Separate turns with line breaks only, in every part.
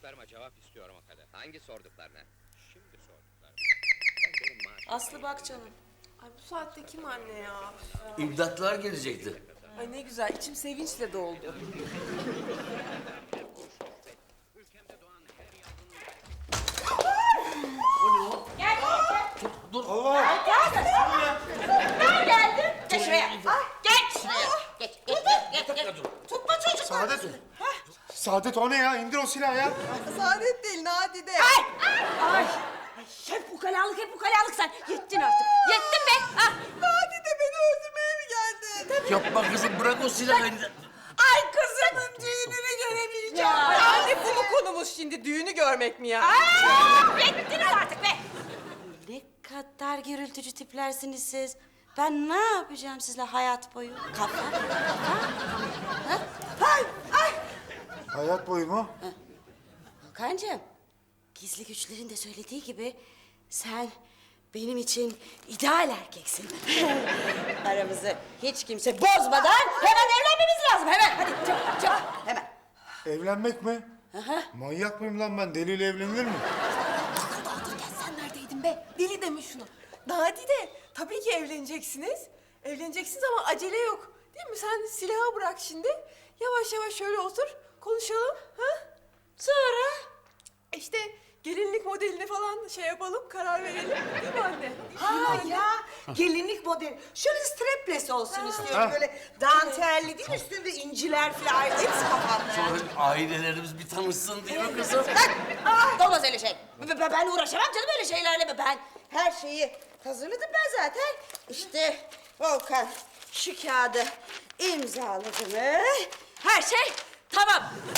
Sorduklarıma cevap istiyorum o kadar. Hangi sorduklarına? Şimdi sorduklarım.
Aslı bak canım.
Ay bu saatte kim anne ya?
İmdatlar gelecekti.
Ay ne güzel, içim sevinçle doldu.
Dur.
Ben geldim. Geç şuraya. Geç şuraya. Geç. Tutma çocuk.
Saadet. Saadet o ne ya? İndir o silahı ya.
Saadet değil, Nadide.
Ay. Hep ukalalık sen. Yettin artık. Yettin be. Ah.
Nadide beni öldürmeye mi geldi?
Yapma kızım, bırak o silahı.
Ay kızımın düğününü göremeyeceğim.
Anne bu mu konumuz şimdi? Düğünü görmek mi ya?
Yettiniz artık be. Ne kadar gürültücü tiplersiniz siz. Ben ne yapacağım sizle hayat boyu? Kafa. Ay.
Hayat boyu mu?
Volkancığım, gizli güçlerin de söylediği gibi sen benim için ideal erkeksin. Aramızı hiç kimse bozmadan hemen evlenmemiz lazım. Hemen hadi çabuk hemen.
Evlenmek mi? Manyak mıyım lan ben? Deliyle evlenilir mi?
Sen neredeydin be? Deli deme şunu. Nadide, tabii ki evleneceksiniz. Evleneceksiniz ama acele yok. Değil mi? Sen silahı bırak şimdi. Yavaş yavaş şöyle otur, konuşalım. Ha?
Sonra?
İşte gelinlik modelini falan şey yapalım, karar verelim. Değil mi anne?
Ha ya, gelinlik modeli. Şöyle strapless olsun istiyorum.
Ha.
Böyle dantelli değil, üstünde inciler falan. Hepsi kafamda.
Sonra ailelerimiz bir tanışsın değil mi kızım?
Olmaz öyle şey. Ben uğraşamam canım öyle şeylerle. Ben
Her şeyi hazırladım ben zaten. İşte Volkan şu kağıdı imzaladı mı?
her şey tamam.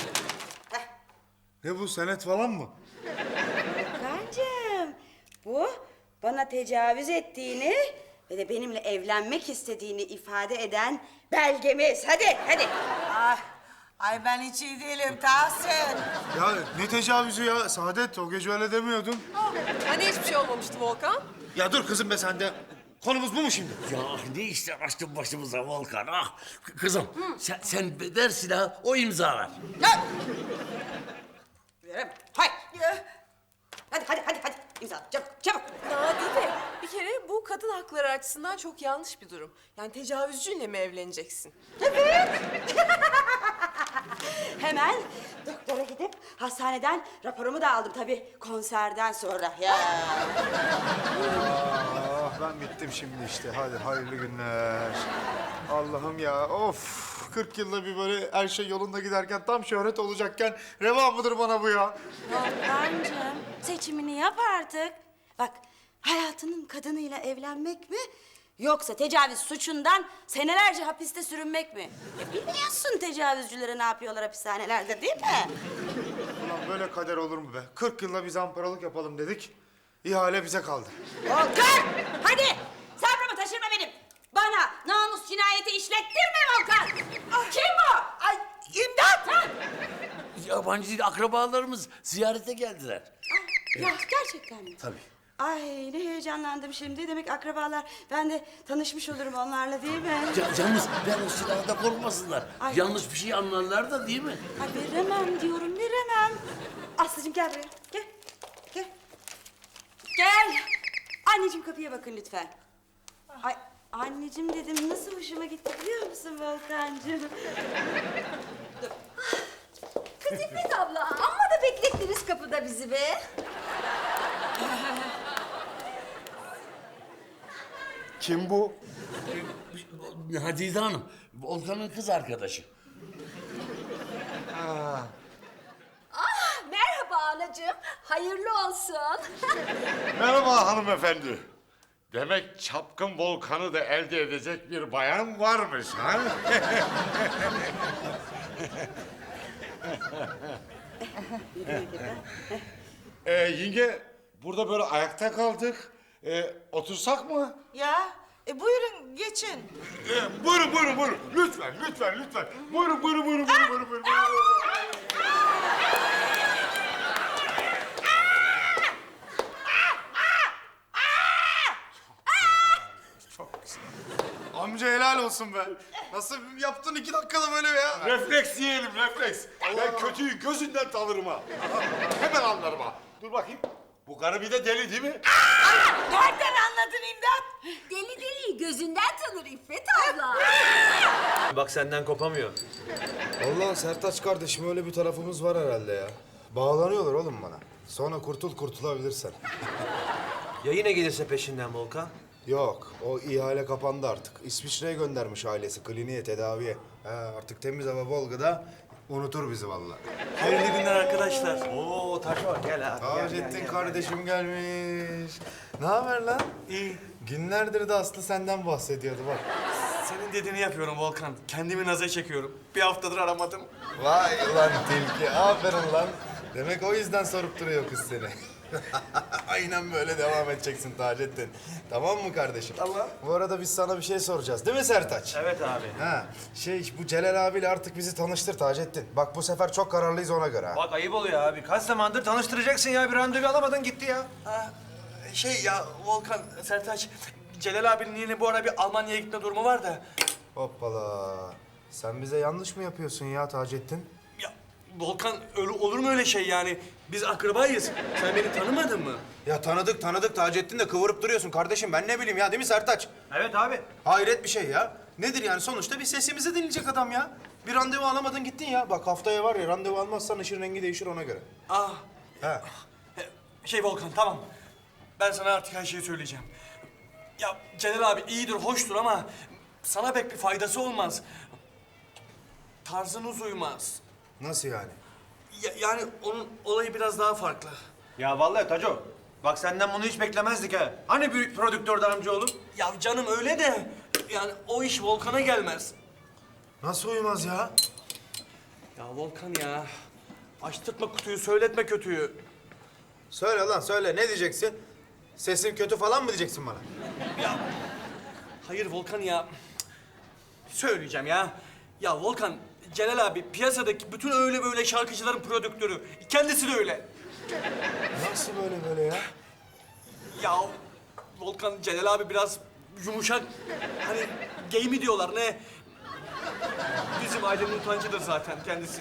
Ne bu, senet falan mı?
Volkancığım, bu bana tecavüz ettiğini ve de benimle evlenmek istediğini ifade eden belgemiz. Hadi.
Ay ben hiç iyi değilim Tahsin.
Ya ne tecavüzü ya? Saadet, o gece öyle demiyordun.
Hani hiçbir şey olmamıştı Volkan?
Ya dur kızım be sen de. Konumuz bu mu şimdi?
Ya ne işler açtın başımıza Volkan, ah! Kızım, sen ver silahı, o imzalar.
Veririm. Hay. Hadi. İmzala çabuk.
Nadide, bir kere bu kadın hakları açısından çok yanlış bir durum. Yani tecavüzcüyle mi evleneceksin?
Hemen doktora gidip hastaneden raporumu da aldım tabii konserden sonra. Ya.
Ah ben bittim şimdi işte. Hadi hayırlı günler. Allah'ım ya, of. 40 yılda bir böyle her şey yolunda giderken, tam şöhret olacakken reva mıdır bana bu ya?
Volkancığım seçimini yap artık. Bak hayatının kadınıyla evlenmek mi? Yoksa tecavüz suçundan senelerce hapiste sürünmek mi? Biliyorsun tecavüzcülere ne yapıyorlar hapishanelerde değil mi?
Ulan böyle kader olur mu be? 40 yılda bir zamparalık yapalım dedik. İhale bize kaldı.
Volkan! Hadi! Sabrımı taşırma benim. Bana namus cinayeti işlettirme Volkan! Kim bu?
Ay imdat!
Yabancı değil, akrabalarımız ziyarete geldiler.
Ya gerçekten mi?
Tabii.
Ay ne heyecanlandım şimdi. Demek akrabalar. Ben de tanışmış olurum onlarla değil mi?
Yalnız ver o silahı da korkmasınlar.
Ay.
Yanlış bir şey anlarlar da değil mi?
Ay veremem diyorum veremem. Aslıcığım gel buraya. Gel. Anneciğim kapıya bakın lütfen. Ay anneciğim dedim nasıl hoşuma gitti biliyor musun Volkancığım?
Kız İpek abla, amma da beklettiniz kapıda bizi be.
Kim bu?
Hadide Hanım, Volkan'ın kız arkadaşı.
Merhaba anacığım, hayırlı olsun.
Merhaba hanımefendi. Demek çapkın Volkan'ı da elde edecek bir bayan varmış ha? Yenge, burada böyle ayakta kaldık. Otursak mı?
Ya buyurun geçin.
Buyurun. Lütfen. Buyurun.
Amca helal olsun be. Nasıl yaptın 2 dakikada böyle ya?
Refleks yiyelim, refleks. Ben kötüyü gözünden tanırım ha. Hemen anlarım ha. Dur bakayım. Bu karı bir de deli değil mi?
Nereden anladın İmdat? Deli deliyi gözünden tanır İffet abla.
Bak senden kopamıyor.
Vallahi Sertaç kardeşim öyle bir tarafımız var herhalde ya. Bağlanıyorlar oğlum bana. Sonra kurtulabilirsen.
Ya yine gelirse peşinden Volkan?
Yok, o ihale kapandı artık. İsviçre'ye göndermiş ailesi kliniğe, tedaviye. Artık temiz hava Volga'da unutur bizi vallahi.
Hayırlı günler arkadaşlar. Oo Taşo gel abi.
Taceddin kardeşim gelmiş. Ne haber lan?
İyi.
Günlerdir de Aslı senden bahsediyordu bak.
Senin dediğini yapıyorum Volkan. Kendimi naza çekiyorum. Bir haftadır aramadım.
Vay ulan tilki, aferin lan. Demek o yüzden sorup duruyor kız seni. Aynen böyle devam edeceksin Taceddin. Tamam mı kardeşim?
Tamam.
Bu arada biz sana bir şey soracağız değil mi Sertaç?
Evet abi.
Ha, bu Celal abiyle artık bizi tanıştır Taceddin. Bak bu sefer çok kararlıyız ona göre ha.
Bak ayıp oluyor abi. Kaç zamandır tanıştıracaksın ya. Bir randevu alamadın gitti ya. Ha, ya Volkan, Sertaç, Celal abinin yine bu ara bir Almanya'ya gitme durumu var da.
Hoppala. Sen bize yanlış mı yapıyorsun ya Taceddin?
Ya Volkan öyle olur mu öyle şey yani? Biz akrabayız. Sen beni tanımadın mı?
Ya tanıdık Taceddin de kıvırıp duruyorsun kardeşim. Ben ne bileyim ya değil mi Sertaç?
Evet abi.
Hayret bir şey ya. Nedir yani sonuçta bir sesimizi dinleyecek adam ya. Bir randevu alamadın gittin ya. Bak haftaya var ya randevu almazsan ışın rengi değişir ona göre.
Ah.
Ha.
Volkan tamam. Ben sana artık her şeyi söyleyeceğim. Ya Celal abi iyidir, hoştur ama sana pek bir faydası olmaz. Tarzınız uymaz.
Nasıl yani?
Yani onun olayı biraz daha farklı.
Ya vallahi Taco, bak senden bunu hiç beklemezdik ha. Hani büyük prodüktör amcaoğlu?
Ya canım öyle de yani o iş Volkan'a gelmez.
Nasıl uymaz ya?
Ya Volkan ya. Açtırtma kutuyu, söyletme kötüyü.
Söyle lan söyle ne diyeceksin? Sesin kötü falan mı diyeceksin bana?
Ya hayır Volkan ya. Söyleyeceğim ya. Ya Volkan, Celal abi piyasadaki bütün öyle böyle şarkıcıların prodüktörü. Kendisi de öyle.
Nasıl böyle ya?
Ya Volkan, Celal abi biraz yumuşak. Hani gay mi diyorlar ne? Bizim ailenin utancıdır zaten kendisi.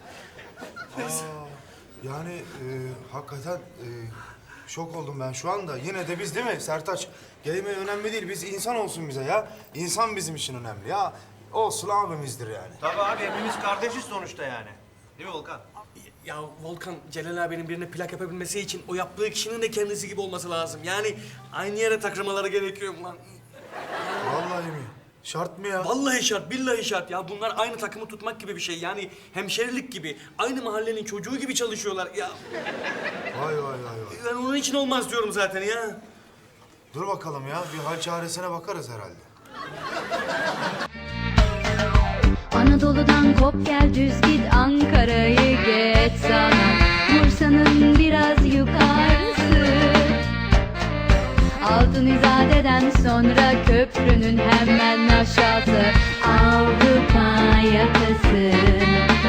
Yani hakikaten şok oldum ben şu anda. Yine de biz değil mi Sertaç? Gelme önemli değil. Biz insan olsun bize ya. İnsan bizim için önemli ya. Olsun abimizdir yani.
Tabii abi hepimiz kardeşiz sonuçta yani. Değil mi Volkan?
Ya Volkan, Celal abinin birine plak yapabilmesi için o yaptığı kişinin de kendisi gibi olması lazım. Yani aynı yere takılmaları gerekiyor lan.
Vallahi mi? Şart mı ya?
Vallahi şart, billahi şart ya. Bunlar aynı takımı tutmak gibi bir şey. Yani hemşerilik gibi, aynı mahallenin çocuğu gibi çalışıyorlar ya.
Vay.
Ben onun için olmaz diyorum zaten ya.
Dur bakalım ya. Bir hal çaresine bakarız herhalde.
Anadolu'dan kop gel düz git Ankara'yı geç sana Bursa'nın biraz yukarısı Altın İzade'den sonra köprünün hemen aşağısı Avrupa yakası